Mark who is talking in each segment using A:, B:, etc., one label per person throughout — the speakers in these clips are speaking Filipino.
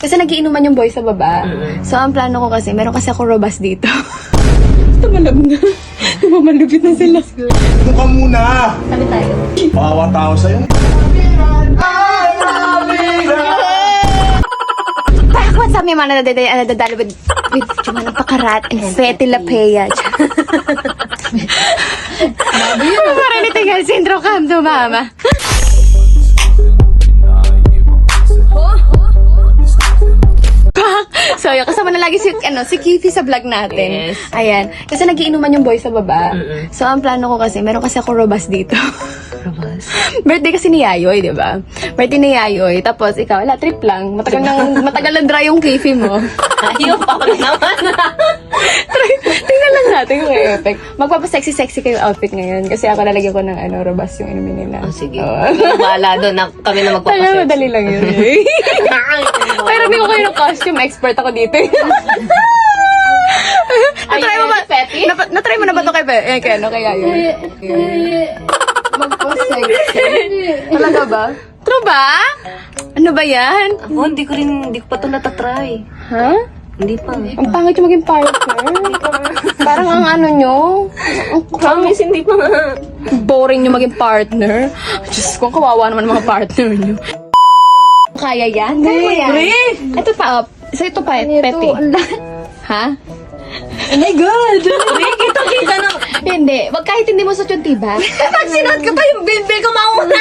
A: Kasi nagiinuman yung boy sa baba. So, ang plano ko kasi, meron kasi ako robas dito. Tumalab na. Tumamalupit na sila.
B: Doon ka muna!
A: Sabi tayo.
B: Bawa tao sa'yo.
A: Parang what's up, may mga nadadalo with Chuma ng Pakarat and Fetty Lapea. Parang nitigal syndrome kam to, mama. So, yun, kasama na lagi si Kitty sa vlog natin.
C: Yes.
A: Ayan. Kasi nagiinuman yung boy sa baba. So, ang plano ko kasi, meron kasi ako robas dito.
C: Robas?
A: Birthday kasi ni Yayoy, di ba? Birthday ni Yayoy. Tapos, ikaw, wala, trip lang. Matagal lang dry yung kifi mo.
C: Ayaw pa ko naman.
A: Tingnan lang natin yung effect. Magpapasexy-sexy kayo outfit ngayon. Kasi ako lalagyan ko ng robas yung inumin nila.
C: Oh, sige.
A: Oo.
C: Bahala doon. Kami na
A: Tayo,
C: magpapasexy.
A: madali lang yun. Pero hindi ko kayo ng costume. Expert ako dito. Natry mo ba? Natry mo na ba ito kay kay Yayoy? Magpa-sexy. Talaga ba? True ba? Ano ba yan?
C: Ako, hindi ko pa ito natatry.
A: Ha?
C: Hindi pa.
A: Ang pangit yung maging partner. Parang ang ano nyo. Ang
C: Promise, hindi pa.
A: boring yung maging partner. Diyos ko, kawawa naman ang mga partner nyo. Kaya yan? Kaya mo yan? Ito pa, ito pa, Pepe. Ha? Oh my God!
C: Kita na.
A: Hindi. Wag kahit hindi mo suot yung tiba.
C: Pag sinuot ko pa yung bilbil ko mauna.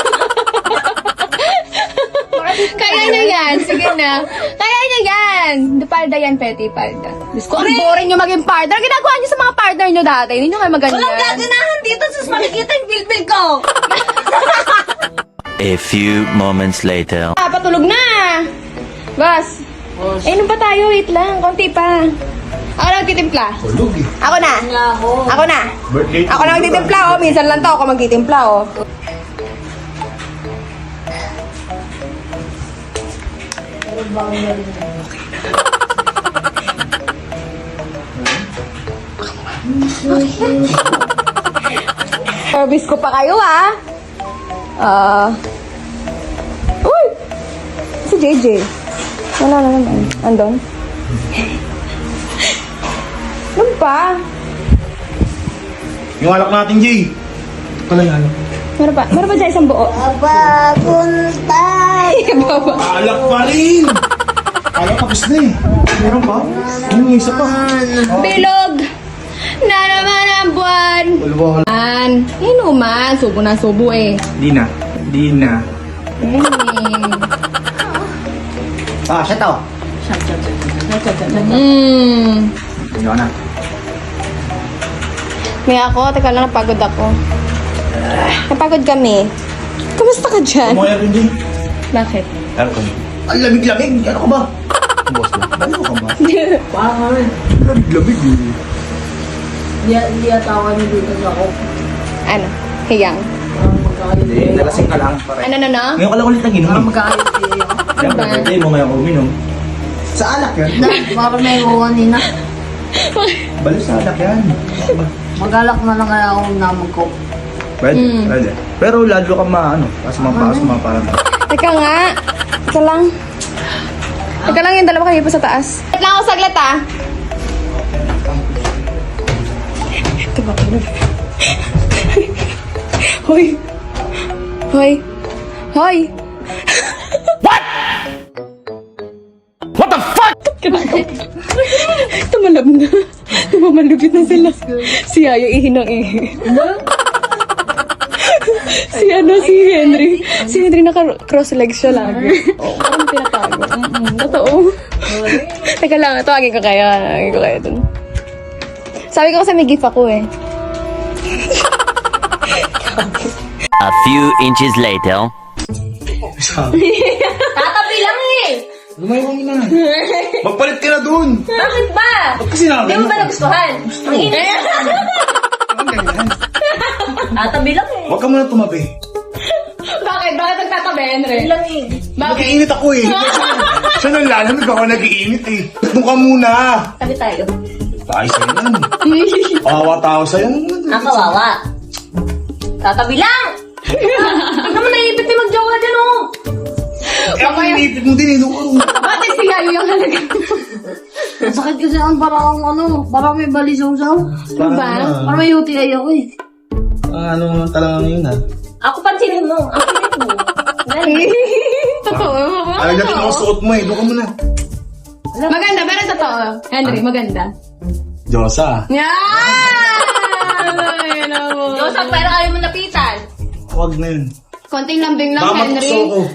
A: Kaya niya yan. Sige na. Kaya niya yan. Palda yan, Petty. Palda. Diyos ko, ang boring yung maging partner. Ginagawa niyo sa mga partner niyo dati. Hindi niyo kayo maganyan.
C: Walang gaganahan dito sus makikita yung bilbil ko.
D: A few moments later.
A: Patulog na. Boss. Eh, ano pa tayo? Wait lang. Konti pa. Ako na magtitimpla.
B: Tulog eh.
A: Ako na. Ako na.
B: Birthday.
A: Ako na magtitimpla, oh. Minsan lang to ako magtitimpla, oh. Service ko pa kayo, ah. Uy! Si JJ. Wala na naman. Andon? Ano pa?
B: Yung alak natin, Jay. Ito lang yung alak.
A: Meron pa? Meron pa dyan isang buo?
C: Papuntay.
B: Alak pa rin! Alak tapos na eh. Meron pa? Ano yung isa pa?
A: Bilog! Na naman ang buwan!
B: Wala.
A: Inuman. Subo na subo eh.
B: Di na. Di na. Ah, siya to. Hindi na.
A: May ako, teka lang, napagod ako. Napagod kami. Kamusta ka dyan?
B: Kumaya rin, Jay.
A: Bakit?
B: Aircon. Ang lamig-lamig. Ano ka ba? Boss mo. Ano ka ba? Lamig-lamig eh.
C: Hindi atawa niyo dito ako.
A: Ano? Hiyang.
B: Hindi, nalasing ka lang.
A: Ano?
B: Ngayon ka lang ulit nag-inom.
C: Magkaayos siya.
B: Siyempre, birthday mo ngayon uminom. Sa alak yan.
C: Parang may uwan nina.
B: Balo sa alak yan.
C: Magalak na lang kaya ako naman ko.
B: Pwede, pwede. Pero lalo ka asuma parang.
A: Teka nga. Teka lang. Teka lang yung dalawa kayo pa sa taas. Wait lang ako saglit, ah. Ito ba? Hoy. Hoy. Hoy.
B: What the fuck?
A: Tumalab na. Tumamalupit na sila. Si Yaya ihinang si Henry. Si Henry naka-cross legs siya lagi. Oo, parang pinatago. Totoo. Teka lang, tawagin ko kayo. Dun. Sabi ko kasi may gift ako eh.
D: A few inches later.
C: Tatabi lang eh!
B: Lumayo ka na. Magpalit ka na dun.
C: Bakit ba?
B: Ba't kasi namin?
C: Hindi mo ba nagustuhan? Ang init. Tatabi lang eh.
B: Huwag ka muna tumabi.
A: Bakit? Bakit nagtatabi, Henry?
C: Lang eh.
B: Nag-iinit ako eh. Siya nang lalamig ako nag-iinit eh. Doon ka muna.
C: Sabi tayo.
B: Tayo sa'yo yan. Kawawa tao sa'yo.
C: Ang kawawa. Tatabi lang! Tignan mo naipit ni magjowa dyan oh!
B: ang inipit mo din,
A: Bakit si Yayo yung halaga?
C: Sakit kasi ang parang parang may balisaw-saw.
A: Ba?
C: Parang may UTI ako eh.
B: Ano talaga ngayon ha?
C: Ako pansinin mo. Ang pinit mo.
A: Totoo.
B: Alam natin ako suot mo eh. Doon ka muna.
A: Maganda, pero totoo. Henry, maganda.
B: Diyosa.
A: Yan! Ay, mo.
C: Diyos, pero ayaw mo napitan.
B: Huwag na yun.
A: Konting lambing lang,
B: Baka
A: Henry.
B: matukso ko.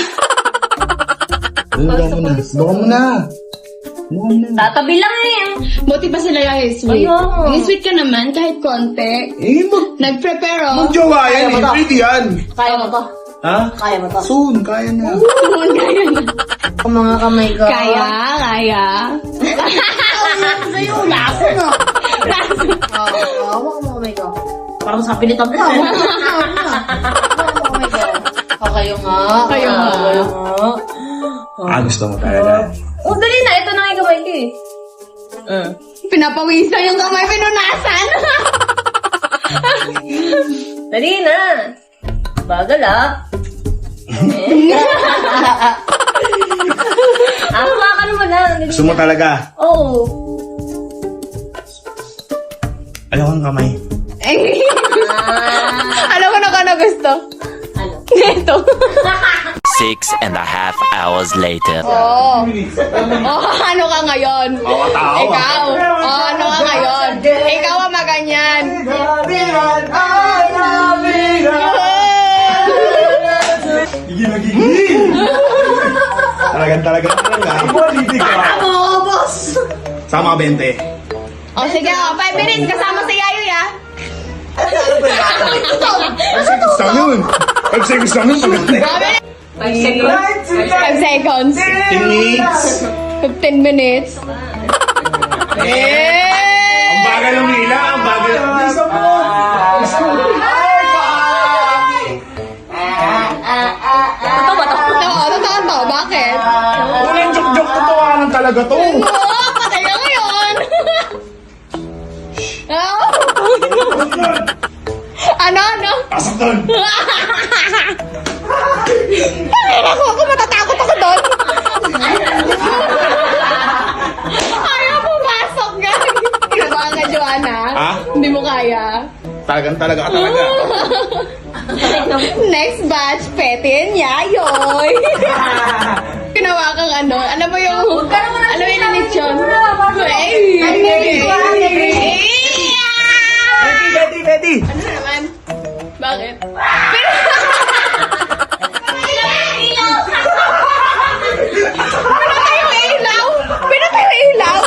B: Doon ka muna. Doon ka muna.
C: Tatabi lang eh.
A: Buti pa sila yung sweet.
C: Ayun.
A: Yung sweet ka naman, kahit konti. Nag-prepare, oh.
B: Mag-jowa yan eh. Pwede yan.
C: Kaya mo to.
B: Ha?
C: Kaya mo to.
B: Soon, kaya na.
A: Tuon kaya na.
C: Ang mga kamay ko.
A: Kaya.
C: Sa'yo, laso na. Hawak mo kamay ko. Parang sa pilitan mo. Hawak mo kamay ko. Kayo nga.
A: Kayo nga.
B: Gusto mo talaga.
C: Oh, dali na. Ito na yung kamay ko eh.
A: Pinapawisan yung kamay, pinunasan.
C: Dali na. Bagal ah. Hawakan mo na.
B: Gusto mo talaga?
C: Oo.
B: Ayaw kang kamay.
A: Alam ko na kung ano gusto.
C: Ano?
A: Ito.
D: 6.5 hours later.
A: Oh, ano ka ngayon?
B: Tao.
A: Ikaw. Oh, ano ka ngayon? Ikaw ang maganyan.
B: Gigil. Talaga. Ibolitig ka.
C: Oo, boss.
B: Sama ka 20.
A: Oh, sige, 5 minutes kasama si Yayo, ya.
B: Gusto yun. 5 seconds lang yun.
A: 5 seconds.
B: 10 minutes.
A: 15 minutes.
B: Ang bagal ng hila. Ang bagal.
A: Totoo to. Bakit?
B: Walang joke-joke. Totohanan talaga to.
A: Oo, patay na ngayon. Ano?
B: Pasok doon.
A: Ako matatakot ako doon. Ayaw pumasok, guys. Kinabahan ka, Joanna?
B: Ha?
A: Hindi mo kaya.
B: Talaga.
A: Next batch, Pete and Yayoy. Ginawa kang ano? Ano ba yung... Ano yung lechon?
B: Betty.
A: Ano naman? Bakit? Pinatay yung ilaw!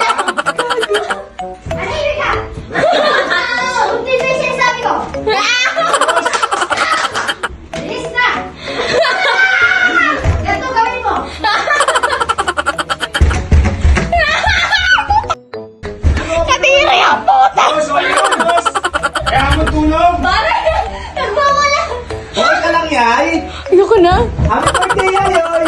A: Katiri ang puta!
B: Boss. Kaya mo tulog. Okay ka lang, Yay.
A: Ayoko na.
B: Happy birthday, Yayoy.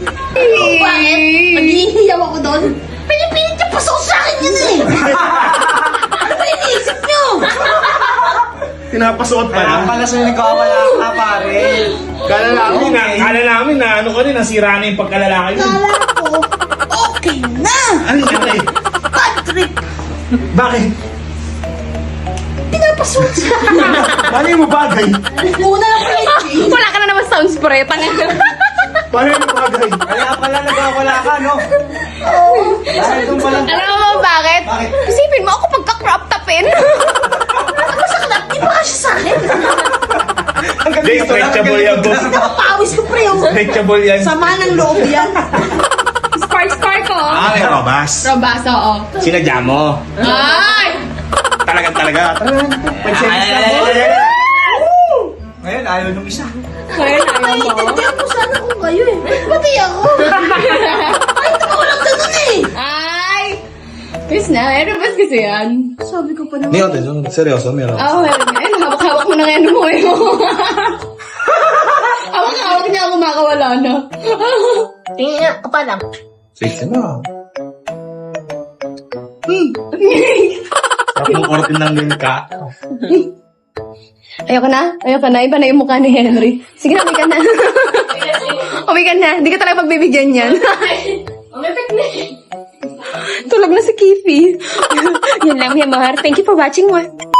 C: Maghihiyaw ako doon. Pinipilit niya pasok sa akin yun eh. Ano ba iniisip niyo?
B: Pinapasuot pa na.
E: Pala sa'yo nagkawala ka, pare.
B: Kala namin na ano ka rin, nasira na yung pagkalalaki mo.
C: Kala ko, okay na.
B: Ano nangyari?
C: Patrick,
B: Bakit?
C: pinapasok sa
B: Paano yung bagay?
C: Una lang pala yung
A: Wala ka na naman sound spray. Tanga.
B: Paano yung bagay?
E: Kaya pala nagkawala ka, no? Dahil doon pala.
A: Alam mo bakit? Isipin mo ako pagka-crop topin.
C: Di ba siya sa akin?
B: Hindi, stretchable yan, boss.
C: Nakapawis ko pre.
B: Stretchable yan.
C: Sama ng loob yan.
A: Spark ko.
B: May robas.
A: Robas, oo.
B: Sinadya mo.
A: Ay!
B: Talaga.
E: Ngayon, ayaw nung isa.
A: Kaya na ayaw mo.
C: Hindi ako sana kung kayo eh. Pati ako. Ay, ito ko lang ganun eh.
A: Ay! Chris na, may robas kasi yan.
C: Sabi ko pa naman.
B: Hindi, seryoso, meron.
A: Oo, meron nga. Ayun, hawak-hawak mo na ngayon mo eh. Hawak-hawak niya ako makawala na.
C: Tingin nga, pa lang.
B: Sexy na. Sarap mong kortin ng lilka.
A: Ayoko na. Iba na yung mukha ni Henry. Sige na, may ka na. Uwi ka na. Hindi ka talaga pagbibigyan yan.
C: Umipik na.
A: Tulog na si Kifi. Yan lang, Mia Mahar. Thank you for watching.